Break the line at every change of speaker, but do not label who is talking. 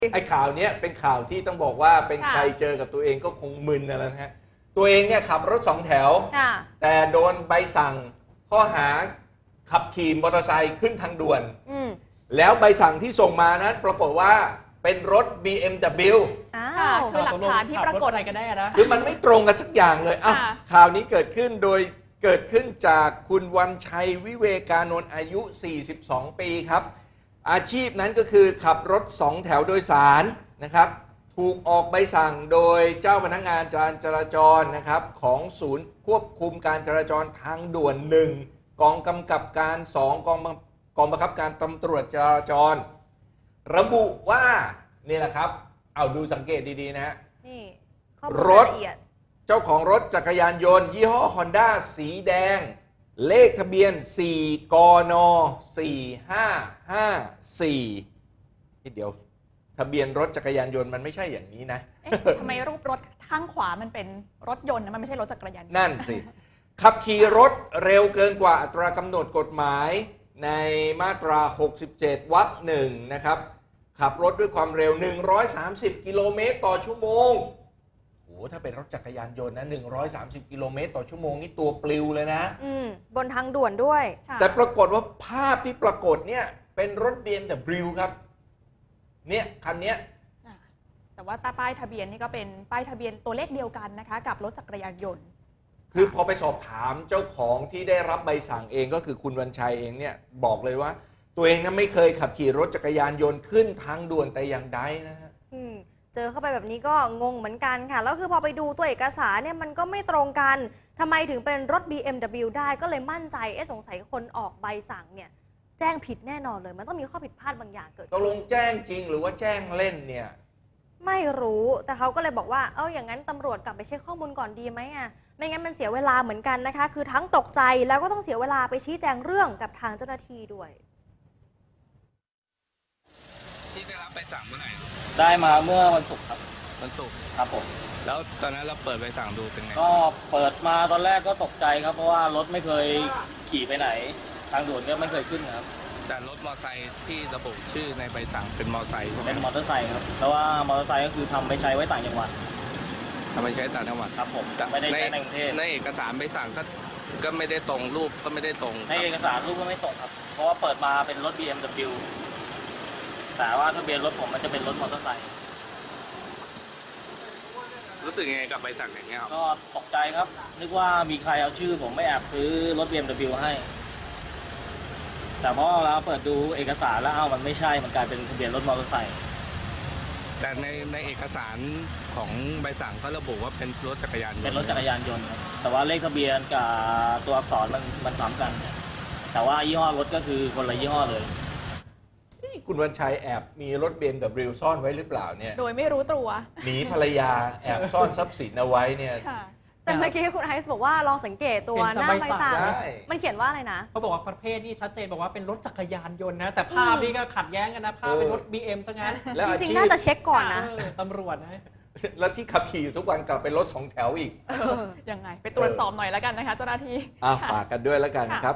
ไอ้ข่าวนี้เป็นข่าวที่ต้องบอกว่าเป็นใครเจอกับตัวเองก็คงมึนนะฮะตัวเองเนี่ยขับรถ2 แถวแต่โดนใบสั่งข้อหาขับขี่มอเตอร์ไซค์ขึ้นทางด่วนแล้วใบสั่งที่ส่งมานั้นปรากฏว่าเป็นรถ BMW
คือหลักฐานที่ปรากฏอะไรกันได้นะ
คือมันไม่ตรงกันสักอย่างเลยข่าวนี้เกิดขึ้นจากคุณวันชัยวิเวกานนท์อายุ 42 ปีครับอาชีพนั้นก็คือขับรถ2 แถวโดยสารนะครับถูกออกใบสั่งโดยเจ้าพนักงานการจราจรนะครับของศูนย์ควบคุมการจราจรทางด่วน1กองกำกับการ2กองบังคับการตำรวจจราจรระบุว่านี่แหละครับเอาดูสังเกตดีๆนะฮะนี่รถเจ้าของรถจักรยานยนต์ยี่ห้อ Honda สีแดงเลขทะเบียน4กน4554เดี๋ยวทะเบียนรถจักรยานยนต์มันไม่ใช่อย่างนี้นะ
ทำไมรูปรถข้างขวามันเป็นรถยนต์นะมันไม่ใช่รถจักรยานยนต์
นั่นสิขับขี่รถเร็วเกินกว่าอัตรากำหนดกฎหมายในมาตรา67วรรค1นะครับขับรถด้วยความเร็ว130กิโลเมตรต่อชั่วโมงโอ้ถ้าเป็นรถจักรยานยนต์นะ130กิโลเมตรต่อชั่วโมงนี่ตัวปลิวเลยนะ
บนทางด่วนด้วย
แต่ปรากฏว่าภาพที่ปรากฏเนี่ยเป็นรถ BMW ครับเนี่ยคันนี้
แต่ว่าป้ายทะเบียนนี่ก็เป็นป้ายทะเบียนตัวเลขเดียวกันนะคะกับรถจักรยานยนต์
คือพอไปสอบถามเจ้าของที่ได้รับใบสั่งเองก็คือคุณวันชัยเองเนี่ยบอกเลยว่าตัวเองนั้นไม่เคยขับขี่รถจักรยานยนต์ขึ้นทางด่วนแต่อย่างใดนะฮะ
เจอเข้าไปแบบนี้ก็งงเหมือนกันค่ะแล้วคือพอไปดูตัวเอกสารเนี่ยมันก็ไม่ตรงกันทำไมถึงเป็นรถ BMW ได้ก็เลยมั่นใจสงสัยคนออกใบสั่งเนี่ยแจ้งผิดแน่นอนเลยมันต้องมีข้อผิดพลาดบางอย่างเกิด
ตกลงแจ้งจริงหรือว่าแจ้งเล่นเนี่ย
ไม่รู้แต่เขาก็เลยบอกว่าอย่างนั้นตำรวจกลับไปเช็คข้อมูลก่อนดีไหมไม่งั้นมันเสียเวลาเหมือนกันนะคะคือทั้งตกใจแล้วก็ต้องเสียเวลาไปชี้แจงเรื่องกับทางเจ้าหน้าที่ด้วย
ที่ได้รับใบสั่งเมื่อไหร่
ได้มาเมื่อวันศุกร์ครับ
วันศุกร์
ครับผม
แล้วตอนนั้นเราเปิดใบสั่งดูเป็นไง
ก็เปิดมาตอนแรกก็ตกใจครับเพราะว่ารถไม่เคยขี่ไปไหนทางด่วนก็ไม่เคยขึ้นครับ
แต่รถมอเตอร์ไซค์ที่ระบุชื่อในใบสั่งเป็นมอเตอร์ไซค์
เป็นมอเตอร์ไซค์ครับแต่ว่ามอเตอร์ไซค์ก็คือทำไปใช้ไว้ต่างจังหวัด
ทำไปใช้ต่างจังหวัด
ครับผมไม่ได้ใช้ในกรุงเทพ
ในเอกสารใบสั่งก็ไม่ได้ตรงรูปก็ไม่ได้ตรง
ในเอกสารรูปก็ไม่ตรงครับเพราะว่าเปิดมาเป็นรถ BMW แต่ว่าทะเบียนรถผมมันจะเป็นรถมอเตอร์ไซค์
รู้สึกยังไงกับใบสั่งอย่างเงี้ย
ก็ตกใจครับนึกว่ามีใครเอาชื่อผมไม่แอบซื้อรถ BMW ให้แต่พอเราเปิดดูเอกสารแล้วมันไม่ใช่มันกลายเป็นทะเบียนรถมอเตอร์ไซค์
แต่ในเอกสารของใบสั่งเขาระบุว่าเป็นรถจักรยานยนต์
เป็นรถจักรยานยนต์ครับแต่ว่าเลขทะเบียนกับตัวอักษรมันซ้ำกันแต่ว่ายี่ห้อรถก็คือคนละยี่ห้อเลย
คุณวันชัยแอบมีรถ BMW ซ่อนไว้หรือเปล่าเนี่ย
โดยไม่รู้ตัว
หนีภรรยาแอบซ่อนทรัพย์สินเอาไว้เนี่ย
แต่เมื่อกี้คุณไอซ์บอกว่าลองสังเกตตัวหน้าใบสั่งมันเขียนว่าอะไรนะ
เขาบอกว่าประเภทนี่ชัดเจนบอกว่าเป็นรถจักรยานยนต์นะแต่ภาพนี่ก็ขัดแย้งกันนะภาพเป็นรถ BM ซะงั้น
จริงๆน่าจะเช็คก่อนนะ
ตำรวจนะ
แล้วที่ขับขี่อยู่ทุกวันกลับเป็นรถ2 แถวอีก
ยังไงไปตรวจสอบหน่อยแล้วกันนะคะเจ้าหน้าที่
ฝากกันด้วยแล้วกันครับ